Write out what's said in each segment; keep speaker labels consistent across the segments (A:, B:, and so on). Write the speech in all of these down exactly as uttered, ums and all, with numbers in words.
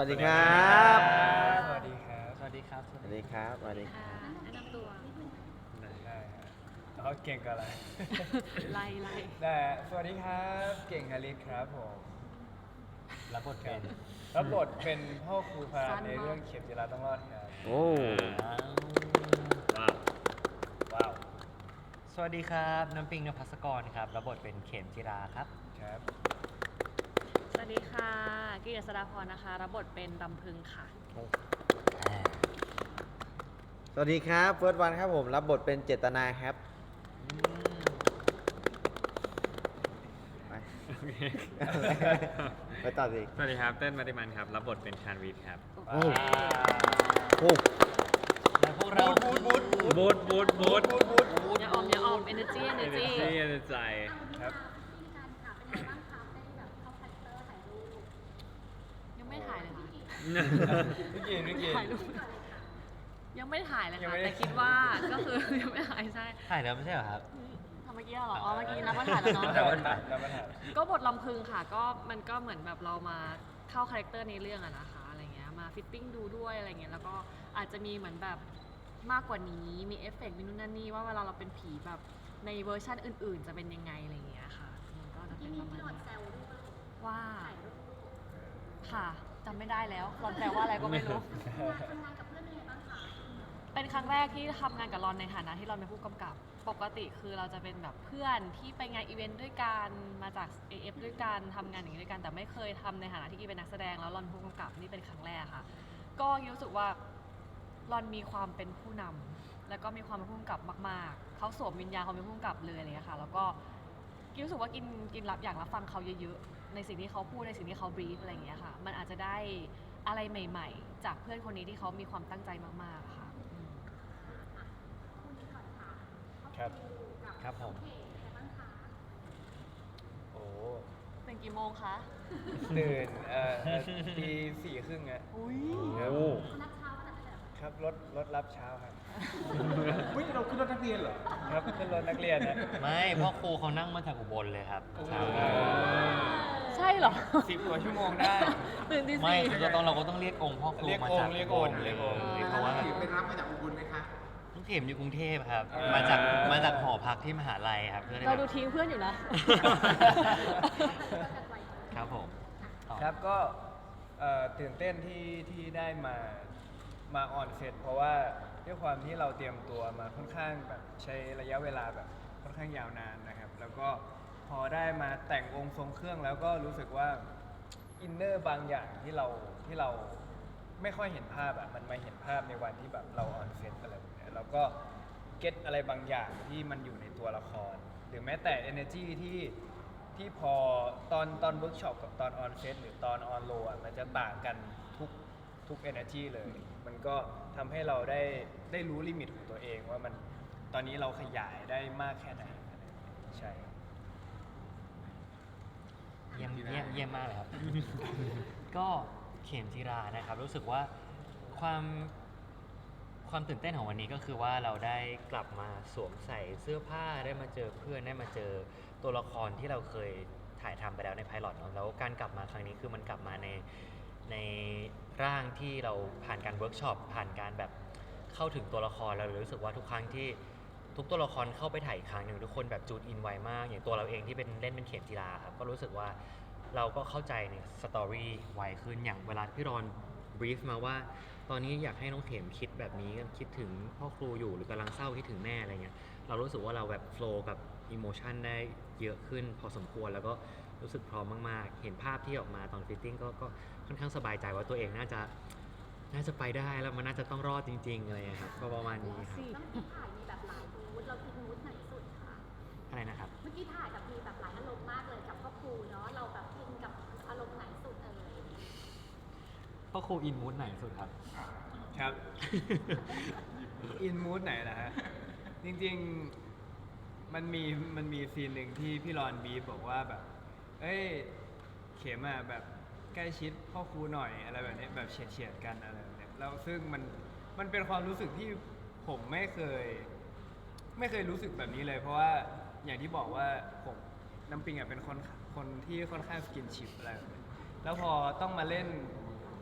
A: วัสดีครับ
B: สวัสดีครับ
C: สวัสดีครับ
A: สวัสดีครับสวัสดีครับ
D: แนะนำตัว
B: ได้ฮะเขาเก่งกับอะไร
D: ไล่ไล่
B: ได้ฮะสวัสดีครับ เก่งฮาริสครับผม
C: รับบทเป็น
B: รับบทเป็นพ่อครูพาในเรื่องเข็มจิราต้องรอดครับ
A: โอ้
C: ว้าว
B: ว้าว
C: สวัสดีครับน้ำปิงนภัสกรครับรับบทเป็นเข็มจิราครับ
B: ครับ
D: สวัสดีค่ะกิตติสดาพรนะคะ รับบทเป็นรำพึงค่ะ
A: สวัสดีครับเฟิร์สวันครับผมรับบทเป็นเจตนาครับไปไปต่อสิ
E: สวัสดีครับ เต้นมาติมันครับ รับบทเป็นชานวีทครับ
A: โอ้โอ้
C: และพวกเรา
B: บูดบูดบูด
E: บูดบูดบูด
B: บูดบูดบูด
D: อย่าออมอย่าออม energy
E: เอเน
D: energy
E: จีเอเนใจ
B: ครับ
D: ยังไม่ถ่ายเลยค่ะ
B: นิกกี้นิกกี้
D: ถ่ายรูปยังไม่ถ่ายเลย
B: ยัง
D: ค่ะ
B: ไม่ได้
D: แต่คิดว่าก็คือ ยังไม่ถ่ายใช่
C: ถ่ายแล้วไม่ใช่เหรอครับ
D: ทำเมื่อกี้เหรอ อ๋อ เมื่อกี้นับว่าถ่ายแล้วเนาะ
B: แล้วมาถ่ายแล้วมาถ่าย
D: ก็บทลำพึงค่ะ ก็มันก็เหมือนแบบเรามาเข้าคาแรคเตอร์ในเรื่องอะนะคะอะไรเงี้ยมาฟิตติ้งดูด้วยอะไรเงี้ยแล้วก็อาจจะมีเหมือนแบบมากกว่านี้มีเอฟเฟกต์มีนู่นนั่นนี่ว่าเวลาเราเป็นผีแบบในเวอร์ชันอื่นๆ จะเป็นยังไงอะไรเงี้ยค่ะมันก็จะเป็นประมาณนี้ว่าค่ะจำไม่ได้แล้วรอนแปลว่าอะไรก็ไม่รู้ เป็นครั้งแรกที่ทำงานกับรอนในฐานะที่รอนเป็นผู้กำกับ ปกติคือเราจะเป็นแบบเพื่อนที่ไปงานอีเวนต์ด้วยกัน มาจาก เอ เอฟ ด้วยกันทำงานอย่างนี้ด้วยกัน แต่ไม่เคยทำในฐานะที่กีเป็นนักแสดงแล้วรอนเป็นผู้กำกับนี่เป็นครั้งแรกค่ะ ก็รู้สึกว่ารอนมีความเป็นผู้นำแล้วก็มีความเป็นผู้กำกับมากๆ เขาสวมวิญญาณเขาเป็นผู้กำกับเลยอะไรอย่างเงี้ยค่ะ แล้วก็กินรู้สึกว่ากินกินรับอยากรับฟังเขาเยอะๆ ในสิ่งที่เขาพูดในสิ่งที่เขาบรีฟอะไรอย่างเงี้ยค่ะ มันอาจจะได้อะไรใหม่ๆ จากเพื่อนคนนี้ที่เขามีความตั้งใจมากๆค่ะ
B: ครับ
C: ครับผม
B: โอ้
D: เป็นกี่โมงคะ
B: ตื่นเอ่อตีสี่ครึ่งอะ
D: อุ้ย
B: ครับ
A: โอ้
B: ครับรถรถรับเช้าครับ
F: เฮ้ยเราขึ้นรถนักเรียนเหรอ
B: ครับขึ้นรถนักเรียนนะ
C: ไม่พ่อครูเขานั่งมาจากอุบลเลยครับเช้า
B: เออ
D: ใช่เหรอ
B: สิบกว่าชั่วโมงได้
D: ตื่นที่
C: ไม่
D: สี่
C: คือเราต้องเราก็ต้องเรียกองค์พ่อครู
B: เรียก
C: มา
B: องค์
C: จาก
B: เรียก
C: อุ
B: อง
C: บ
B: ค์
C: ลเล
B: เรี
C: ย
B: ยกองค์
C: เพราะว่า
F: ไปรับมาจากอุบลไหมคะ
C: น้องเข็มอยู่กรุงเทพครับ มาจากมาจากหอพักที่มหาลัยครับเพื่อน
D: เราดูทิ้งเพื่อนอยู่นะ
C: ครับผมต่อ
B: ครับก็เอ่อตื่นเต้นที่ที่ได้มามาออนเซตเพราะว่าด้วยความที่เราเตรียมตัวมาค่อนข้างแบบใช้ระยะเวลาแบบค่อนข้างยาวนานนะครับ แล้วก็พอได้มาแต่งองค์ทรงเครื่องแล้วก็รู้สึกว่าอินเนอร์บางอย่างที่เราที่เราไม่ค่อยเห็นภาพอะมันมาเห็นภาพในวันที่แบบเราออนเซตอะไรแบบเนี้ยแล้วก็เก็ตอะไรบางอย่างที่มันอยู่ในตัวละคร หรือแม้แต่ energy ที่ ที่พอตอนตอนเวิร์กช็อปกับตอนออนเซตหรือตอนออนโลอ่ะมันจะต่างกันทุกทุก energy เลย มันก็ทำให้เราได้ได้รู้ลิมิตของตัวเองว่ามันตอนนี้เราขยายได้มากแค่ไหนอะไรอย่างเงี้ยใช่
C: เยี่ยมเยี่ยมเยี่ยมมากเลยครับ ก็เข็มจิรานะครับ รู้สึกว่าความความตื่นเต้นของวันนี้ก็คือว่าเราได้กลับมาสวมใส่เสื้อผ้าได้มาเจอเพื่อนได้มาเจอตัวละครที่เราเคยถ่ายทำไปแล้วในไพลอตเนอะแล้วการกลับมาครั้งนี้คือมันกลับมาในในร่างที่เราผ่านการเวิร์กช็อปผ่านการแบบเข้าถึงตัวละครเราเลยรู้สึกว่าทุกครั้งที่ทุกตัวละครเข้าไปถ่ายอีกครั้งหนึ่งทุกคนแบบจูดอินไวมาก อย่างตัวเราเองที่เป็นเล่นเป็นเข็มจิราครับก็รู้สึกว่าเราก็เข้าใจในสตอรี่ไวขึ้นอย่างเวลาพี่รอนบรีฟมาว่า ตอนนี้อยากให้น้องเข็มคิดแบบนี้คิดถึงพ่อครูอยู่หรือกำลังเศร้าคิดถึงแม่อะไรเงี้ยเรารู้สึกว่าเราแบบโฟล์กับอิโมชันได้เยอะขึ้นพอสมควรแล้วก็รู้สึกพร้อมมากๆ เห็นภาพที่ออกมาตอนฟิตติ้งก็ก็ค่อนข้างสบายใจว่าตัวเองน่าจะน่าจะไปได้แล้วมันน่าจะต้องรอดจริงๆอะไรเงี้ยครับก็ประมาณนี้ครับ
D: สิ
G: เมื่อกี้ถ่ายมีแบบหลายมูดเราคือมูดไหนสุดคะ
C: อะไรนะครับ
G: เมื่อกี้ถ่ายแบบมีแบบหลายอารมณ์มากเลยกับพ่อครูเนาะ เราแบบอินกับอารมณ์ไหนสุดเอ่ย
C: พ่อครูอินมูดไหนสุดครับ
B: ครับ อินมูดไหนนะฮะ จริงๆมันมีมันมีซีนหนึ่งที่พี่รอนบีฟบอกว่าแบบ เอ้ย เข็มอ่ะแบบใกล้ชิดพ่อครูหน่อยอะไรแบบนี้แบบเฉียดเฉียดๆกันอะไรแบบนี้แล้วซึ่งมันมันเป็นความรู้สึกที่ผมไม่เคย ไม่เคยรู้สึกแบบนี้เลย เพราะว่าอย่างที่บอกว่าผมน้ำปิงอ่ะเป็นคนคนที่ค่อนข้างสกินชิปอะไรแบบนี้แล้วพอต้องมาเล่น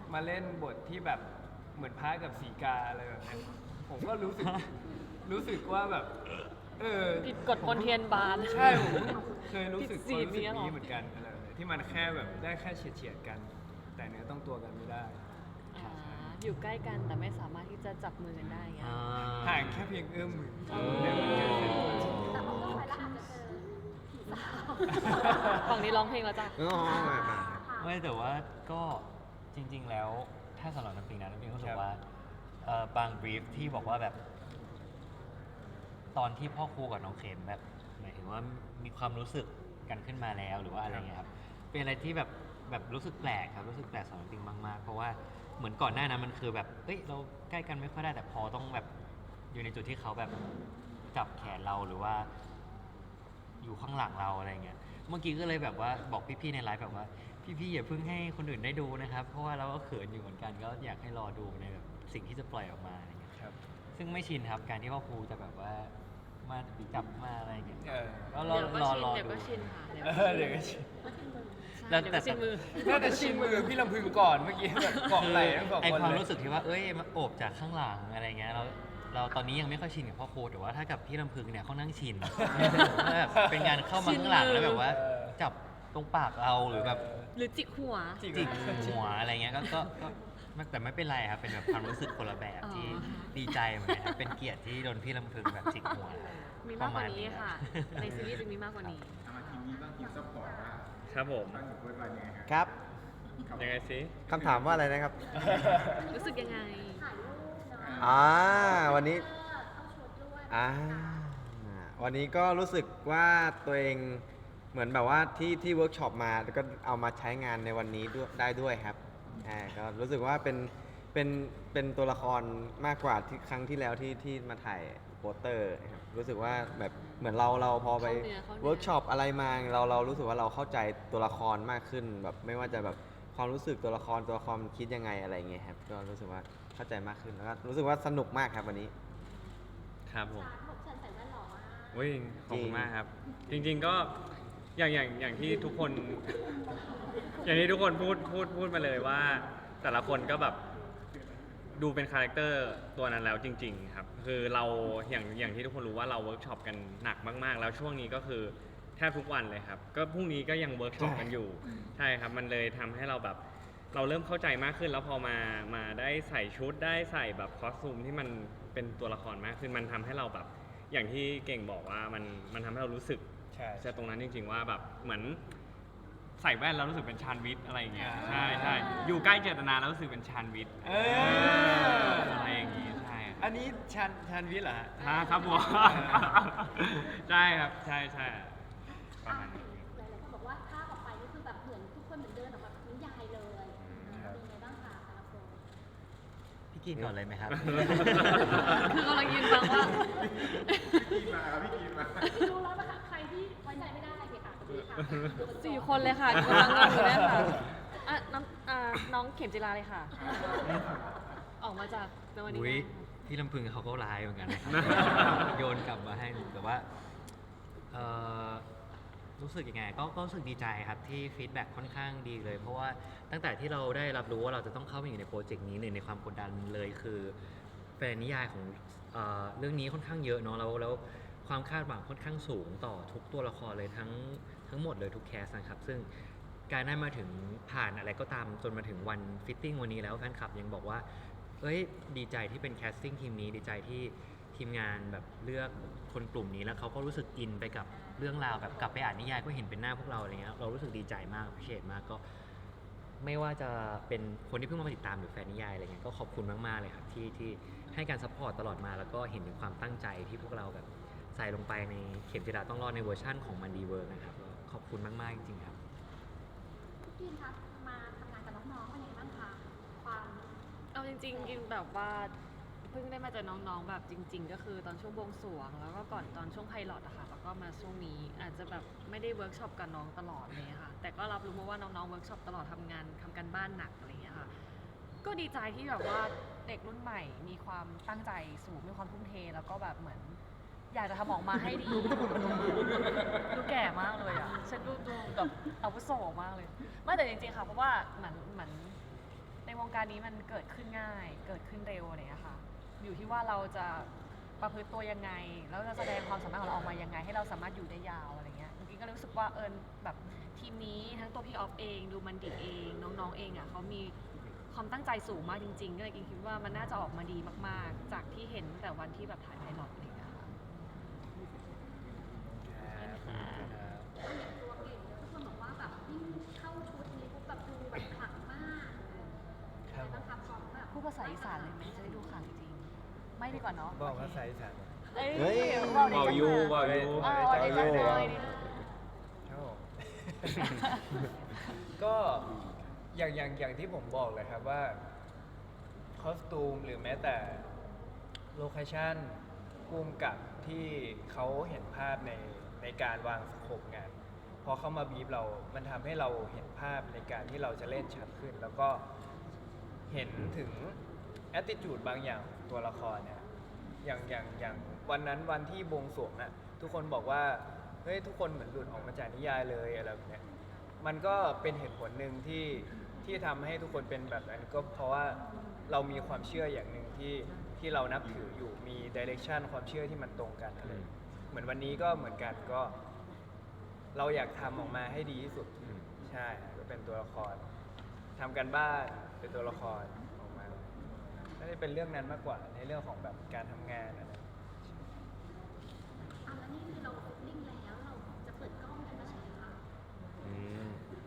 B: มาเล่นบทที่แบบเหมือนพระกับสีกาอะไรแบบนี้ผมก็รู้สึก รู้สึกว่าแบบ เออ
D: ผิดกฎมนเทียนบาน
B: ใช่ผมเคยรู้สึก
D: ผิดศี
B: ความ
D: ล
B: รู้สึก
D: เนี่ยหรอ
B: นี้เหมือนกันอะไรแบบนี้ที่มันแค่แบบได้แค่เฉียดเฉียดๆกัน แต่เนื้อต้องตัวกันไม่ได้
D: อ่าอยู่ใกล้กันแต่ไม่สามารถที่จะจับมือกันได้ไง
C: อ่า
B: ห่างแค่เพียงเอื้อมมือ
D: เออ
B: เนี่ยมันเกิดเป็น
G: แต่พอเข้าไปแล้วอาจจะเจอผีสาว
D: ฝั่งนี้ร้องเพลงแล้วจ้ะ
A: อ๋อมามา
C: ไม่แต่ว่าก็จริง ๆ แล้วถ้าสำหรับน้ำปิงนะน้ำปิงรู้สึกว่าเอ่อบางบรีฟที่บอกว่าแบบ ตอนที่พ่อครูกับน้องเข็มแบบหมายถึงว่ามีความรู้สึกกันขึ้นมาแล้วหรือว่าอะไรเงี้ยครับเป็นอะไรที่แบบแบบรู้สึกแปลกครับรู้สึกแปลกสำหรับน้ำปิงมากๆเพราะว่าเหมือนก่อนหน้านั้นมันคือแบบเอ้ยเราใกล้กันไม่ค่อยได้แต่พอต้องแบบอยู่ในจุดที่เขาแบบจับแขนเราหรือว่า อยู่ข้างหลังเราอะไรเงี้ย เมื่อกี้ก็เลยแบบว่าบอกพี่ๆในไลฟ์แบบว่า พี่ๆอย่าเพิ่งให้คนอื่นได้ดูนะครับ เพราะว่าเราก็เขินอยู่เหมือนกันก็อยากให้รอดูในแบบสิ่งที่จะปล่อยออกมาอะไรเงี้ย
B: ครับ
C: ซึ่งไม่ชินครับการที่พ่อครูจะแบบว่ามาจับมาอะไรเงี้ย
B: เออ
C: ก็รอ
D: เดี๋ยวก็
C: รอ
D: ชิน
C: รอ
D: เดี๋ยว
C: ดู
D: ก็ชินค่ะเดี๋ยว
B: เอ
D: ก็
B: อเดี๋ยวก็ชิน
C: แล้
D: ใช่
C: ว
D: เดี๋ยวก็ชินมือ
B: น่าจะชินมือพี่ลำพึงก่อนเมื่อกี้แบบเกาะไหล่ทั้งสอง
C: ไอ
B: คน
C: ความ
B: เลย
C: รู้สึกที่ว่าเอ้ยมาโอบจากข้างหลังอะไรเงี้ยเราเราตอนนี้ยังไม่ค่อยชินกับพ่อครูแต่ว่าถ้ากับพี่ลำพึงเนี่ยเขานั่งชิน แบบเป็นการเข้ามาข้างหลังแล้วแบบว่า จับตรงปากเราหรือแบบ
D: หรือจิกหัว
B: จิก
C: จิกหัวอะไรเงี้ยก็ก็ก็ไม่แต่ไม่เป็นไรครับเป็นแบบความรู้สึกคนละแบบที่
D: อ๋อ
C: ดีใจเหมือนกันครับเป็นเกียรติที่โดนพี่ลำพึงแบบจิกหัวครับ
D: มีมากกว่านี้
C: ปรณ
D: ค่ะ ในซีรีส์จะมีมากกว่านี้
F: เอามาทีมนี้บ้างทีมซัพพอร์ตว่า
E: ครับผม
F: ตั้งอยู่เพื่อนวันยังไงครับ
A: ครับ
E: ยังไงสิ
A: คำถามว่าอะไรนะครับ
D: รู้สึกยังไง
G: ถ่ายรูปเนาะ
A: อ่าวันนี้
G: เออเข้าชุดด้วย
A: อ่าวันนี้ก็รู้สึกว่าตัวเองเหมือนแบบว่าที่ที่เวิร์กช็อปมาแล้วก็เอามาใช้งานในวันนี้ด้วยได้ด้วยครับอ่าก็รู้สึกว่าเป็นเป็นเป็นตัวละครมากกว่าที่ครั้งที่แล้วที่ที่มาถ่ายโปสเตอร์นะครับรู้สึกว่าแบบเหมือนเราเราพอไป
D: เข้าเนื้อเข้าเนื้อ
A: เวิร์กช็อปอะไรมาเราเรารู้สึกว่าเราเข้าใจตัวละครมากขึ้นแบบไม่ว่าจะแบบความรู้สึกตัวละครตัวละครมันคิดยังไงอะไรเงี้ยครับก็รู้สึกว่าเข้าใจมากขึ้นแล้วก็รู้สึกว่าสนุกมากครับวันนี้
E: ครับผม
G: ชาร์ตบอกฉันใส่แว่นหล่อมาก
E: วิ่งขอบคุณมากครับ จริงๆก็อย่างอย่างอย่างที่ทุกคน อย่างที่ทุกคนพูดพูดพูดมาเลยว่า แต่ละคนก็แบบดูเป็นคาแรคเตอร์ตัวนั้นแล้วจริง ๆ ครับ คือเราอย่างอย่างที่ทุกคนรู้ว่าเราเวิร์กช็อปกันหนักมากๆ แล้วช่วงนี้ก็คือแทบทุกวันเลยครับ ก็พรุ่งนี้ก็ยังเวิร์กช็อปกันอยู่ ใช่ครับ มันเลยทำให้เราแบบเราเริ่มเข้าใจมากขึ้น แล้วพอมามาได้ใส่ชุดได้ใส่แบบคอสตูมที่มันเป็นตัวละครมากขึ้นมันทำให้เราแบบอย่างที่เก่งบอกว่ามันมันทำให้เรารู้สึก
B: ใช่
E: จะตรงนั้นจริง ๆ ว่าแบบเหมือนใส่แว่นแล้วรู้สึกเป็นชานวิทย์อะไรอย่างเงี้ย
B: อ่า
E: ใช่ใช่อยู่ใกล้เจตนาแล้วรู้สึกเป็นชานวิทย์
B: เออ
E: อะไรอย่างงี้ใช่
B: อันนี้ชันชันวิทย์เหรอฮะ
E: ฮะครับผม ใช่ครับใช่ใช่ประมาณนี้
G: หลายๆคนบอกว่าภาพออกไปนี่คือแบบเหมือนทุกคนเหมือนเดินออกมาจากนิยายเลย
B: ครับ
G: เป็นไงบ้างคะแต่ละคน
C: พี่กินก่อนเลยไหมครับ
D: คือกำลังยืนฟังว่า
F: พี่มาครับพี่กีนมา
G: ดูแล้วนะคะใครที่ไว้ใจไม่ได้เลยค่ะพี่ค่ะดูกัน
D: สี่คนเลยค่ะกำลังงงอยู่เนี่ยค่ะอ่ะน้องอ่าน้องเข็มจิราเลยค่ะ ออกมาจากในวันนี้
C: อุ้ย
D: นะ
C: พี่ลำพึงเขาก็ร้ายเหมือนกันนะครับ โยนกลับมาให้หนูแต่ว่าเอ่อรู้สึกยังไงก็ก็รู้สึกดีใจครับที่ฟีดแบ็กค่อนข้างดีเลย เพราะว่าตั้งแต่ที่เราได้รับรู้ว่าเราจะต้องเข้ามาอยู่ในโปรเจกต์นี้หนึ่งในความกดดันเลยคือแฟนนิยายของเอ่อเรื่องนี้ค่อนข้างเยอะเนาะแล้วแล้วความคาดหวังค่อนข้างสูงต่อทุกตัวละครเลยทั้งทั้งหมดเลยทุกแคสนะครับซึ่งการได้มาถึงผ่านอะไรก็ตามจนมาถึงวันฟิตติ้งวันนี้แล้วแฟนคลับยังบอกว่า เอ้ยดีใจที่เป็นแคสติ้งทีมนี้ดีใจที่ทีมงานแบบเลือกคนกลุ่มนี้แล้วเขาก็รู้สึกอินไปกับเรื่องราวแบบกลับไปอ่านนิยายก็เห็นเป็นหน้าพวกเราอะไรเงี้ยเรารู้สึกดีใจมากพิเศษมากก็ ไม่ว่าจะเป็นคนที่เพิ่งมาติดตามหรือแฟนนิยายอะไรเงี้ยก็ขอบคุณมากๆเลยครับที่ที่ให้การซัพพอร์ตตลอดมาแล้วก็เห็นถึงความตั้งใจที่พวกเราแบบใส่ลงไปในเข็มจิราต้องรอดในเวอร์ชั่นของมันดีเวิร์กนะครับก็ขอบคุณมากๆจริงๆครับ
G: พี่กีนคะมาทำงานกับน้องๆเป็นยังไงบ้างคะความ
D: เอาจริงๆกินแบบว่าเพิ่งได้มาเจอน้องๆแบบจริง ๆ ก็คือตอนช่วงบวงสรวงแล้วก็ก่อนตอนช่วงไพลอตอะค่ะแล้วก็มาช่วงนี้อาจจะแบบไม่ได้เวิร์กช็อปกับน้องตลอดเลยค่ะแต่ก็รับรู้มาว่าน้องๆเวิร์กช็อปตลอดทำงานทำการบ้านหนักอะไรอย่างเงี้ยค่ะก็ดีใจที่แบบว่าเด็กรุ่นใหม่มีความตั้งใจสูงมีความทุ่มเทแล้วก็แบบเหมือน อยากจะทำออกมาให้ดีดูแก่มากเลยอ่ะฉันดูดูแบบอาวุโสมากเลยไม่แต่จริงๆค่ะเพราะว่าเหมือนเหมือนในในวงการนี้มันเกิดขึ้นง่าย เกิดขึ้นเร็วอะไรอย่างเงี้ยค่ะ อยู่ที่ว่าเราจะประพฤติตัวยังไง แล้วจะแสดงความสามารถของเราออกมายังไง ให้เราสามารถอยู่ได้ยาวอะไรเงี้ยจริงๆก็รู้สึกว่าเอิญแบบทีมนี้ทั้งตัวพี่ออฟเองดูมันดิเองน้องๆเองอ่ะเขามีความตั้งใจสูงมากจริงๆ ก็เลยคิดว่ามันน่าจะออกมาดีมากๆ จากที่เห็นตั้งแต่วันที่แบบถ่ายไพลอตอะไรอย่างเงี้ยค่ะ
G: ตัวเก่งเลยทุกคนบอกว่าแบบยิ่งเข้าชุดนี้ปุ๊บแบบดูแบบขลังมากเออเป็นไงบ้างคะพร้อมแบบ
D: พูดภาษาอีสานเลยไหมจะได้ดูข่าวจริงๆไม่ดีกว่าเนาะ
B: บอกภาษาอีสาน
D: เอ้ย
A: เฮ้ย
D: บอกดี
E: เบา
D: จัง
E: ยู
D: เลย
E: เบายู
D: เออบอกดีจังเลยนี่
B: ครับผม ก็อย่างอย่างอย่างที่ผมบอกเลยครับว่าคอสตูมหรือแม้แต่โลเคชั่นภูมิกับที่เขาเห็นภาพในในการวางสโคปงานพอเขามาบีบเรา มันทำให้เราเห็นภาพในการที่เราจะเล่นชัดขึ้น แล้วก็เห็นถึง attitude บางอย่างของตัวละครเนี่ย อย่างอย่างอย่างวันนั้นวันที่บวงสรวงน่ะทุกคนบอกว่าเฮ้ยทุกคนเหมือนหลุดออกมาจากนิยายเลยอะไรแบบเนี้ยมันก็เป็นเหตุผลหนึ่งที่ที่ทำให้ทุกคนเป็นแบบนั้นก็เพราะว่าเรามีความเชื่ออย่างหนึ่งที่ที่เรานับถืออยู่มีดิเรกชันความเชื่อที่มันตรงกันอะไรเหมือนวันนี้ก็เหมือนกันก็ เราอยากทำออกมาให้ดีที่สุดใช่ก็เป็นตัวละครทำกันบ้านเป็นตัวละครออกมาน่าจะเป็นเรื่องนั้นมากกว่าในเรื่องของแบบการทำงานอะไร
G: อ่ะแล้วนี่คือเราฟิตติ้งแล้วเราจะเปิดกล้องกันเมื่อไหร่คะ
A: อืม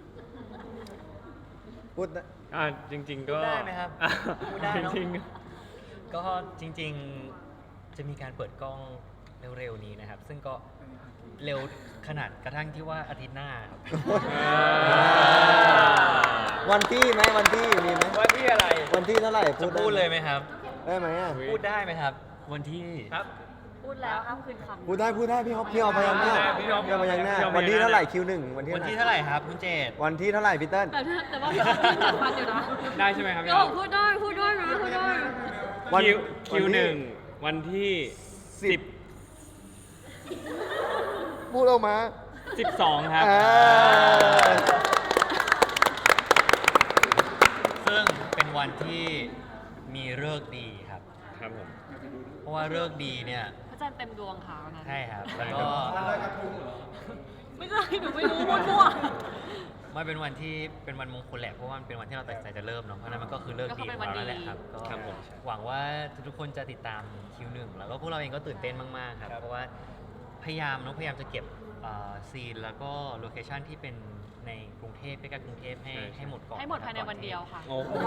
A: พูดนะ
E: อ่าจริง ๆ ก็
C: พูดได้ไหมครับ
E: อ่ะ
C: พูดได้เนอะ
E: จริง
C: ก็จริงๆ จะมีการเปิดกล้องเร็วๆนี้นะครับ ซึ่งก็เร็วขนาดกระทั่งที่ว่าอาทิตย์หน้าครับ
A: วันที่ไหมวันที่มีไหม
B: ว่าที่อะไร
A: วันที่เท่าไหร่
C: จะพูดเลยไหมครับ
A: ได้ไหมอ่ะ
C: พูดได้ไหมครับ วันที่
B: ครับ
D: พูดแล้วห้ามคืนคำ
A: พูดได้พูดได้พี่ฮอปพี่ฮอปพยัญชนะ
B: พี่ฮอป
A: พี่ฮอปพยัญชนะ
E: พี่ฮอปพยัญชนะ
A: วันที่เท่าไหร่คิวหนึ่งวันที่
C: วันที่
A: เท่า
C: เท่า
A: ไหร่
C: ไหร่ครับคุณเจต
A: วันที่เท่าไหร่พี่เติ้ล
D: แต่ถ้าแต่ว่าพี่ออฟยังจัดฟันอยู่นะ
E: ๆ ได้ใช่ไหมครับ
D: พี่ออฟพูดได้พูดได้นะพูดได้
A: วัน
E: คิวคิว
A: วันที่
E: หนึ่งวันที่
A: สิ
E: สิ
A: บบ พูดออกมา
E: สิบสองครับ
A: เออ
C: ซึ่งเป็นวันที่มีฤกษ์ดีครับ
E: ครับผม
C: เพราะว่าฤกษ์ดีเนี่ย
D: พระจันทร์เต็มดวงค่ะวันนั้น
C: ใช่ครับ แล้วก็
D: ไม่ใช่หนูไม่รู้มั่ว
C: มันเป็นวันที่เป็นวันมงคลแหละเพราะว่ามันเป็นวันที่เราตัดสินใจจะเริ่มเนาะเพราะฉะนั้นมันก็คือเลิกดีของเราแล้วแหละครับก็
E: ครับผม
C: หวังว่าทุกๆคนจะติดตามคิวหนึ่งแล้วก็พวกเราเองก็ตื่นเต้นมากๆครับ
B: ครับ
C: เพราะว่าพยายามเนาะพยายามจะเก็บซีนแล้วก็โลเคชันที่เป็นในกรุงเทพใกล้ๆกรุงเทพให้ให้หมดก่อน
D: ๆให้หมดภายในวันเดียวค่ะ
E: โอ้โห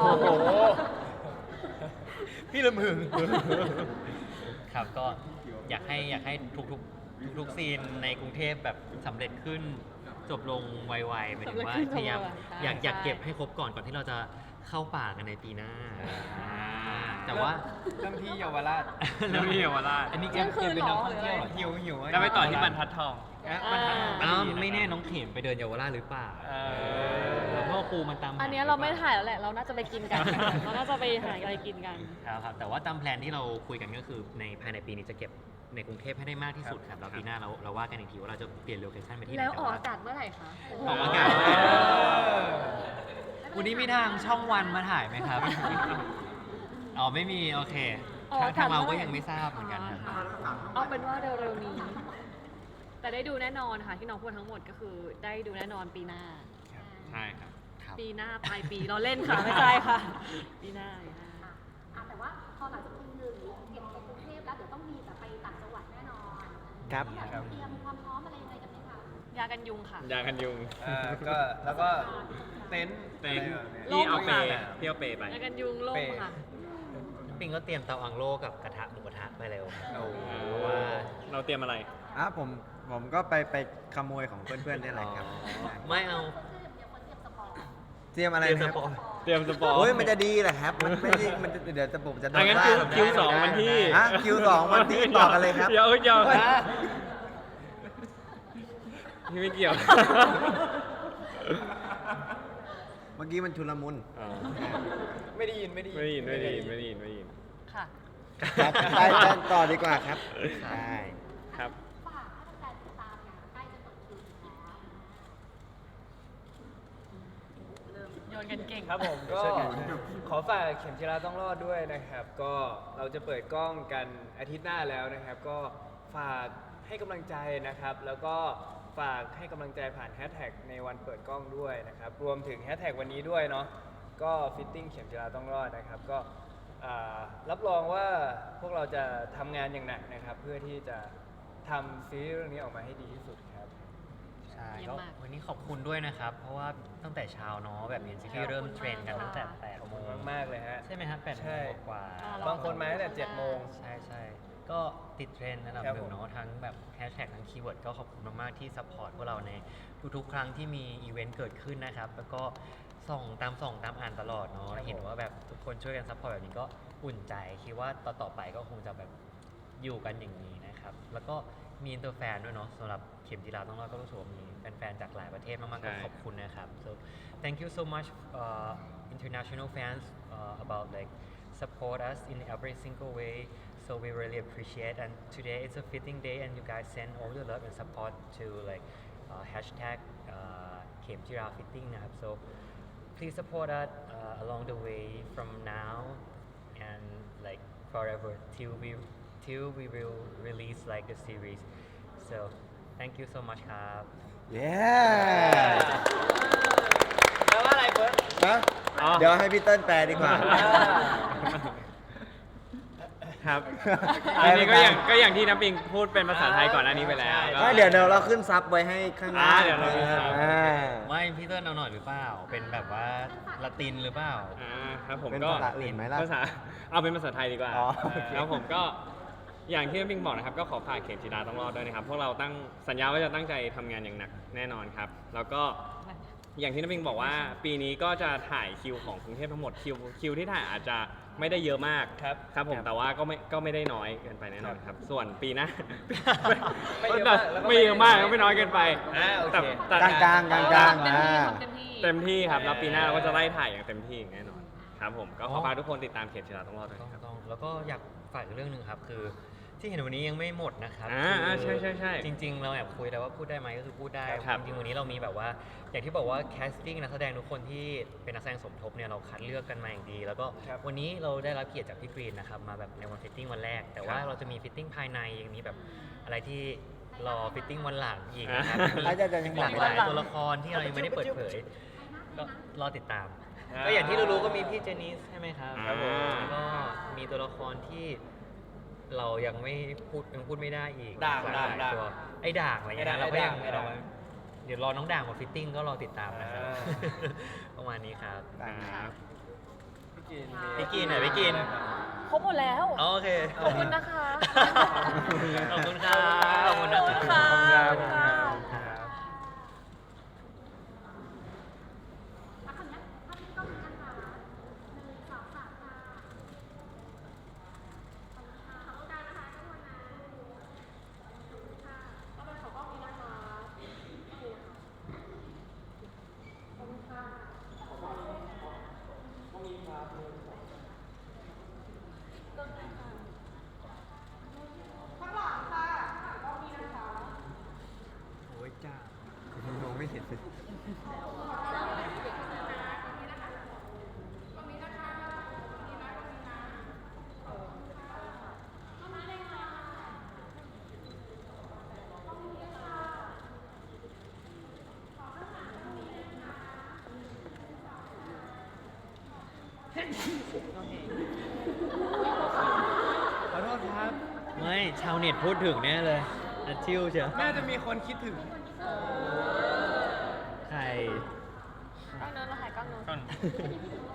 C: พี่ละมึง ครับก็อยากให้อยากให้ทุกๆทุกๆซีนในกรุงเทพแบบสำเร็จขึ้นจบลงไวๆหมายถึงว่า
D: สำเร็จขึ้น
C: พยายาม
D: จบไวๆ
C: อยาก
D: ใช่
C: อยากเก็บให้ครบก่อนก่อนที่เราจะเข้าป่ากันในปีหน้าอ่าแต่ว่า
B: เริ่มที่เยาวราช
E: เริ่มที่เยาวราช
C: อันนี้แก
D: เที่ยงคืน
C: เป็นนัก
D: เหรอ
C: ท่องเที่ยวเหรอ
B: หิวหิว
E: แล้วไปต่อที่บรรทัดทอง
B: อ่ะบรรทัดทอง
C: อ้าว
B: ดีะ
C: ไม่แน่น้องเข็มไปเดินเยาวราชหรือเปล่า
B: เออ
C: แล้วพ่อครูมันตามห
D: อันเนี้ยเราไม่ถ่ายแล้วแหละ เราน่าจะไปกินกัน เราน่าจะไปหาอะไรกินกัน
C: ครับครับแต่ว่าตามแพลนที่เราคุยกันก็คือในภายในปีนี้จะเก็บในกรุงเทพให้ได้มากที่สุดครับแล้วปีหน้าเราเราว่ากันอีกทีว่าเราจะเปลี่ยนโลเคชั่นไปที่ไหน
D: แล้วออก
C: ต่
D: อากาศเมื่อไหร่คะ
C: ออกอากาศ
B: เออ
C: วันนี้มีทางช่องวันมาถ่ายไหมครับ อ๋อไม่มี โอเค ทางทางเราก็ยังไม่ทราบเหมือนกันครับ
D: อ๋อค่ะเอาเป็นว่าเร็วๆนี้ แต่ได้ดูแน่นอนค่ะที่น้องพูดทั้งหมดก็คือได้ดูแน่นอนปีหน้า
E: ใช่ครับ
C: ครับ
D: ปีหน้าปลายปีเราเล่นค่ะ ไม่ใช่ค่ะ ปีหน้าปีหน้า
G: อ่ะอ่ะแต่ว่าพอหลังจากคิวหนึ่งเก็บในกรุงเทพแล้วเดี๋ยวต้องมีแบบไปต่างจังหวัดแน่นอน
A: ครับ
G: แบบเตรียมความพร้อมอะไรยังไงกันไหมคะ
D: ยากันยุงค่ะ
E: ยากันยุง
B: อ่าก็แล้วก็เต็นท์
E: เต็นท์
B: อะไรแบบนี้ย
E: ที่เอาเป
D: ล่ม
E: ย์
D: ค่ะ
E: ที่เอาเปย์ไป
D: ยากันยุงล่มค่ะ
C: ปิงก็เตรียมเตาอังโลกับกระทะหมูกระทะไปเร็ว
B: โอ้โห
C: เพราะว่า
E: เราเตรียมอะไร
A: อ่ะผมผมก็ไปไปขโมยของเพื่อนๆนี่แหละครับ
C: ไม่เอา
G: เดี๋ยวคนเตรียมสปอร์ต
A: เตรียมอะไร
C: เตรียม
A: นะ
C: สปอย
E: เตรียมสปอร์ต
A: โอ้ยมันจะดีแหละครับ มันไม่ได้มันจะเดี๋ยวจะผมจะโด
E: อ่ะ
A: น
E: งั้น
A: ว่า
E: คิว
A: แบบ
E: คิวสองวันที่
A: ฮะคิวสองวันที่ต่อกันเลยครับ
E: เดี๋ยวเอ้ยเดี๋ยว
A: เฮ้ย
E: พี่ไม่เกี่ยว
A: เมื่อกี้มันชุลมุน
E: อ๋อ
B: ไม่ได้ยินไม่ได้ยิน
E: ไม่ได้ยินไม่ได้ยินไม่ได้ยินไม่ได้ยิน
D: ค่ะ
A: ครับไปกันต่อดีกว่าครับใช่
E: ครับ
G: ฝากให้แฟนๆติดตามนะใกล้จะเปิดคิวแล้ว
D: โยนวนกันเก่ง
B: ครับผมก็
A: ช่วยกัน
B: ขอฝากเข็มจีราต้องรอดด้วยนะครับ ก็เราจะเปิดกล้องกันอาทิตย์หน้าแล้วนะครับ ก็ฝากให้กำลังใจนะครับ แล้วก็ฝากให้กำลังใจผ่านแฮชแท็กในวันเปิดกล้องด้วยนะครับ รวมถึงแฮชแท็กวันนี้ด้วยเนาะก็ฟิตติ้งเข็มจีราต้องรอดนะครับ ก็อ่ารับรองว่าพวกเราจะทำงานอย่างหนักนะครับ เพื่อที่จะทำซีรีส์เรื่องนี้ออกมาให้ดีที่สุดครับ
C: ใช่
D: เยี่ย
C: ก็
D: มมาก
C: วันนี้ขอบคุณด้วยนะครับ เพราะว่าตั้งแต่เช้าเนาะแบบเอ็นซีทีเริ่มเทรนกันตั้งแต่แปด
B: ขอบ
C: โม
B: คุณ
C: ง
B: มากๆเลยฮะ
C: ใช่ไหมครับแปดโม
B: ใช่
C: งกว่า
D: อ่า
B: บางคนมาตั้งแต่เจ็ดโมง
C: ใช่ใช่ก็ติดเทรนด์ระดับ
B: ครับ
C: หนึ่
B: ผ
C: ง
B: ม
C: เนาะทั้งแบบแฮชแท็กทั้งคีย์เวิร์ดก็ขอบคุณมาก ๆ ที่ซัพพอร์ตพวกเราในทุก ๆ ครั้งที่มีอีเวนต์เกิดขึ้นนะครับ แล้วก็ส่องตามส่องตามอ่านตลอดเนาะเห็นว่าแบบทุกคนช่วยกันซัพพอร์ตแบบนี้ก็อุ่นใจ คิดว่าต่อ ๆ ไปก็คงจะแบบอยู่กันอย่างนี้นะครับ แล้วก็มีอินเตอร์แฟนด้วยเนาะสำหรับเข็มจีราต้องรอดก็รู้สึกว่ามีแฟน ๆ จากหลายประเทศมาก ๆ ก็
E: ใช่
C: ขอบคุณนะครับ so thank you so much uh, international fans uh, about like support us in every single way. So we really appreciate. And today it's a fitting day, and you guys send all the love and support to like uh, hashtag uh, Kem Jira Fitting. Now. So please support us uh, along the way from now and like forever till we till we will release like the series. So thank you so much, ครับ
A: เย้
B: แปลว่าอะไรเฟิร์ส
A: นะ
E: อ๋อ
A: เดี๋ยวให้พี่เติ้ลแปลดีกว่า
E: ครับ อันนี้ก็อย่างก็อย่างที่น้ำปิงพูดเป็นภาษาไทยก่อนหน้านี้ไปแล้วก็
A: ไม่เดี๋ยวเดี๋ยวเราขึ้นซับไว้ให้ข้างหน้า
E: อ่าเดี๋ยวเราขึ้นซับ
A: อ่า
C: ไม่พี่เติ้ลเอาหน่อยหรือเปล่า เป็นแบบว่าละตินหรือเปล่า
E: อ่าครับผม
A: เป็น
E: ก็
A: ภาษาอื่นไหมล่ะ
E: ภาษาเอาเป็นภาษาไทยดีกว่า
A: อ๋อโอเค
E: แล้วผมก็อย่างที่น้ำปิงบอกนะครับก็ขอฝากเข็มจีราต้องรอดด้วยนะครับพวกเราตั้งสัญญาว่าจะตั้งใจทำงานอย่างหนักแน่นอนครับ แล้วก็อย่างที่น้ำปิงบอกว่าปีนี้ก็จะถ่ายคิวของกรุงเทพทั้งหมดคิวคิวที่ถ่ายอาจจะไม่ได้เยอะมาก
B: ครับ
E: ครับผมแต่ว่าก็ไม่ก็ไม่ได้น้อยเกินไปแน่นอนครับ ส่วนปีหน้า
B: ไม่เยอะมากแล้วก็
E: ไม่เยอะมากก็ไม่น้อยเกินไป
B: อ่าโอเค
E: แต่แต่
A: กลางๆกลางๆกลาง
D: เต็
A: ๆ
D: มที่
A: อ่า
D: ทำเต็มที่
E: เต็มที่ครับแล้วปีหน้าเราก็จะไล่ถ่ายอย่างเต็มที่อย่างแน่นอนครับผมก็ข
C: อ๋
E: อ
C: อ
E: ฝากทุกคนติดตามเข็มจีราต้องรอดด้วย
C: ต้อง
E: ครับ
C: ต้องแล้วก็อยากฝากอีกเรื่องหนึ่งครับ คือที่เห็นวันนี้ยังไม่หมดนะครับ
E: อ่าอ่า
C: คือ
E: ใช่ใช่ใช่
C: จริง ๆ เราแอบคุยแต่ว่าพูดได้ไหมก็คือพูดได้
E: ครับ
C: จริงๆวันนี้เรามีแบบว่า อย่างที่บอกว่าแคสติ้งนักแสดงทุกคนที่เป็นนักแสดงสมทบเนี่ยเราคัดเลือกกันมาอย่างดี แล้วก็
B: ครับ
C: วันนี้เราได้รับเกียรติจากพี่กรีนนะครับมาแบบในวันฟิตติ้งวันแรก แต่ว่า
E: ครับ
C: เราจะมีฟิตติ้งภายในยังมีแบบอะไรที่รอฟิตติ้งวันหลังอีกนะครับ
E: อ่า
C: มี
A: อาจจะยัง
C: หลากหลายตัวละครที่เรายังไม่ได้เปิดเผย ก็รอติดตาม
B: อ่า
C: ก็อย่างที่รู้ๆก็มีพี่เจนิสใช่ไหมครับ
E: ครับผม
C: แล้วก็มีตัวละครที่เรายังไม่พูดยังพูดไม่ได้อีก
B: ด่าง
C: หลย
B: ด่างด่าง
C: ตัวไอ้ด่างอะไรเงี้ย
B: ไอ้
C: นะ
B: ด่าง
C: เราก็ยัง
B: ไอ้ด่าง
C: เราเดี๋ยวรอน้องด่างมาฟิตติ้งก็รอติดตามนะครับ
B: อ่า
C: ประมาณนี้ครับ
A: ได้ครับ
B: พี่กิน
C: พี่กินหน่อยพี่กิน
D: ครบหมดแล้ว
C: อ๋อโอเค
D: ขอบคุณนะคะ
C: ขอบคุณครับขอบคุณนะ
D: ขอบคุณ
C: ค
D: ค่ะ
C: รับ
D: ขอบคุณค่ะ
C: ครับ
G: แล้วคราวเนี้ยถ้าพี่ต้องมีนะคะหนึ่งสองสามค่ะขอบคุณค่ะขอบคุณนะคะทุกคนนะขอบคุณค่ะต่อไปขอกล้องนี้นะคะโอเคค่ะขอบคุณค่ะข้างหลังค่ะข้างหลังกล้องนี้นะคะ
A: โอ้ยจ้า มองไม่เห็นเลย
B: ขอโทษครับ
C: ไม่ชาวเน็ตพูดถึงแน่เลยอัดชิวเชียว
B: น่าจะมีคนคิดถึง
C: ใคร
D: กล้องนู้นเราถ่ายกล้องนู้น